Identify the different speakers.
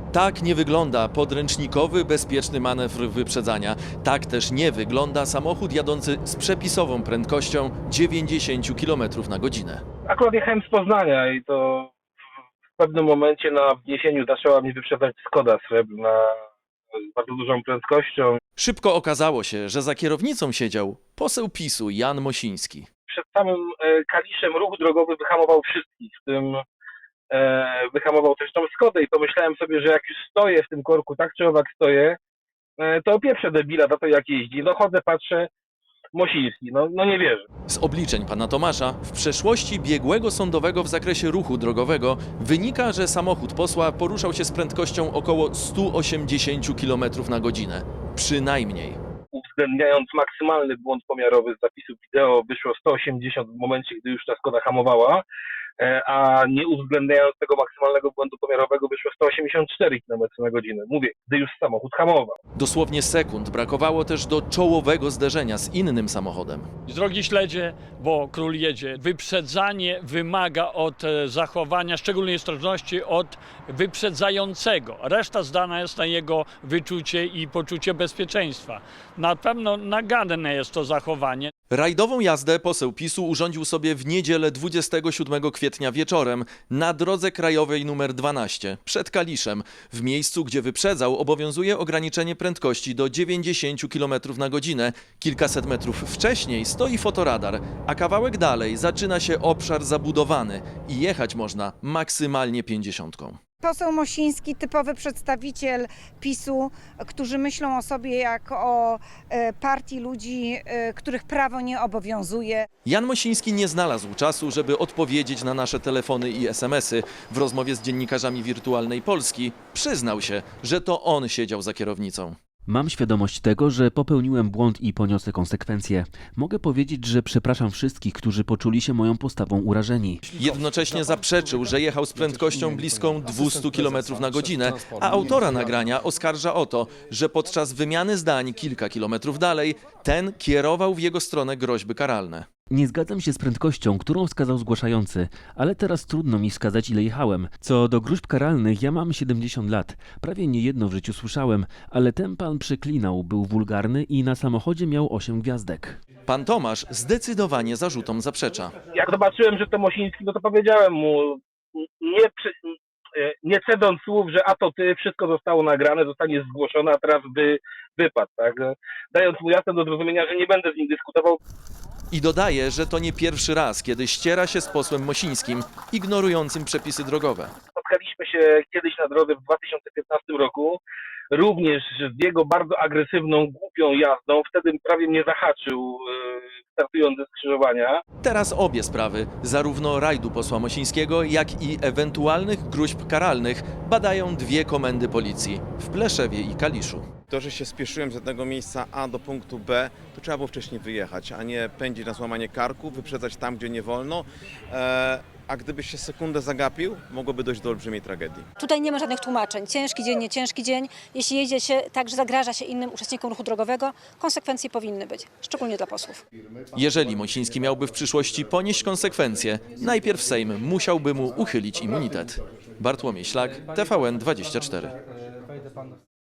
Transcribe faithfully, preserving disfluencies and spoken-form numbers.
Speaker 1: Tak nie wygląda podręcznikowy, bezpieczny manewr wyprzedzania. Tak też nie wygląda samochód jadący z przepisową prędkością dziewięćdziesiąt kilometrów na godzinę.
Speaker 2: Akurat jechałem z Poznania i to w pewnym momencie na wniesieniu zaczęła mnie wyprzedzać Skoda srebrna z bardzo dużą prędkością.
Speaker 1: Szybko okazało się, że za kierownicą siedział poseł PiSu Jan Mosiński.
Speaker 2: Przed samym e, Kaliszem ruch drogowy wyhamował wszystkich, w tym e, wyhamował też tą Skodę i pomyślałem sobie, że jak już stoję w tym korku, tak czy owak stoję, e, to opieprzę debila za to, jak jeździ. No chodzę, patrzę, Mosiński, no, no nie wierzę.
Speaker 1: Z obliczeń pana Tomasza w przeszłości biegłego sądowego w zakresie ruchu drogowego wynika, że samochód posła poruszał się z prędkością około stu osiemdziesięciu kilometrów na godzinę. Przynajmniej.
Speaker 2: Uwzględniając maksymalny błąd pomiarowy z zapisów wideo, wyszło sto osiemdziesiąt w momencie, gdy już ta Skoda hamowała, e, a nie uwzględniając tego maksymalnego błędu pomiarowego, wyszło sto osiemdziesiąt cztery kilometry na godzinę. Mówię, gdy już samochód hamował.
Speaker 1: Dosłownie sekund brakowało też do czołowego zderzenia z innym samochodem.
Speaker 3: Drogi śledzie, bo król jedzie. Wyprzedzanie wymaga od e, zachowania szczególnej ostrożności od wyprzedzającego. Reszta zdana jest na jego wyczucie i poczucie bezpieczeństwa. Na pewno naganne jest to zachowanie.
Speaker 1: Rajdową jazdę poseł PiSu urządził sobie w niedzielę dwudziestego siódmego kwietnia wieczorem na drodze krajowej numer dwanaście przed Kaliszem. W miejscu, gdzie wyprzedzał, obowiązuje ograniczenie prędkości do dziewięćdziesięciu kilometrów na godzinę. Kilkaset metrów wcześniej stoi fotoradar, a kawałek dalej zaczyna się obszar zabudowany i jechać można maksymalnie pięćdziesiątką.
Speaker 4: Poseł Mosiński, typowy przedstawiciel PiSu, którzy myślą o sobie jak o e, partii ludzi, e, których prawo nie obowiązuje.
Speaker 1: Jan Mosiński nie znalazł czasu, żeby odpowiedzieć na nasze telefony i esemesy. W rozmowie z dziennikarzami Wirtualnej Polski przyznał się, że to on siedział za kierownicą.
Speaker 5: Mam świadomość tego, że popełniłem błąd i poniosę konsekwencje. Mogę powiedzieć, że przepraszam wszystkich, którzy poczuli się moją postawą urażeni.
Speaker 1: Jednocześnie zaprzeczył, że jechał z prędkością bliską dwustu kilometrów na godzinę, a autora nagrania oskarża o to, że podczas wymiany zdań kilka kilometrów dalej ten kierował w jego stronę groźby karalne.
Speaker 5: Nie zgadzam się z prędkością, którą wskazał zgłaszający, ale teraz trudno mi wskazać, ile jechałem. Co do gróźb karalnych, ja mam siedemdziesiąt lat. Prawie niejedno w życiu słyszałem, ale ten pan przeklinał, był wulgarny i na samochodzie miał osiem gwiazdek.
Speaker 1: Pan Tomasz zdecydowanie zarzutom zaprzecza.
Speaker 2: Jak zobaczyłem, że to Mosiński, no to powiedziałem mu, nie, przy, nie cedząc słów, że a to ty, wszystko zostało nagrane, zostanie zgłoszone, a teraz by wypadł, tak? Dając mu jasne do zrozumienia, że nie będę z nim dyskutował.
Speaker 1: I dodaje, że to nie pierwszy raz, kiedy ściera się z posłem Mosińskim, ignorującym przepisy drogowe.
Speaker 2: Spotkaliśmy się kiedyś na drodze w dwa tysiące piętnastym roku, również z jego bardzo agresywną, głupią jazdą. Wtedy prawie mnie zahaczył, startując ze skrzyżowania.
Speaker 1: Teraz obie sprawy, zarówno rajdu posła Mosińskiego, jak i ewentualnych gróźb karalnych, badają dwie komendy policji w Pleszewie i Kaliszu.
Speaker 6: To, że się spieszyłem z jednego miejsca A do punktu B, to trzeba było wcześniej wyjechać, a nie pędzić na złamanie karku, wyprzedzać tam, gdzie nie wolno. E, a gdybyś się sekundę zagapił, mogłoby dojść do olbrzymiej tragedii.
Speaker 7: Tutaj nie ma żadnych tłumaczeń. Ciężki dzień, nie ciężki dzień. Jeśli jedzie się tak, że zagraża się innym uczestnikom ruchu drogowego, konsekwencje powinny być, szczególnie dla posłów.
Speaker 1: Jeżeli Mosiński miałby w przyszłości ponieść konsekwencje, najpierw Sejm musiałby mu uchylić immunitet. Bartłomiej Szlak, T V N dwadzieścia cztery.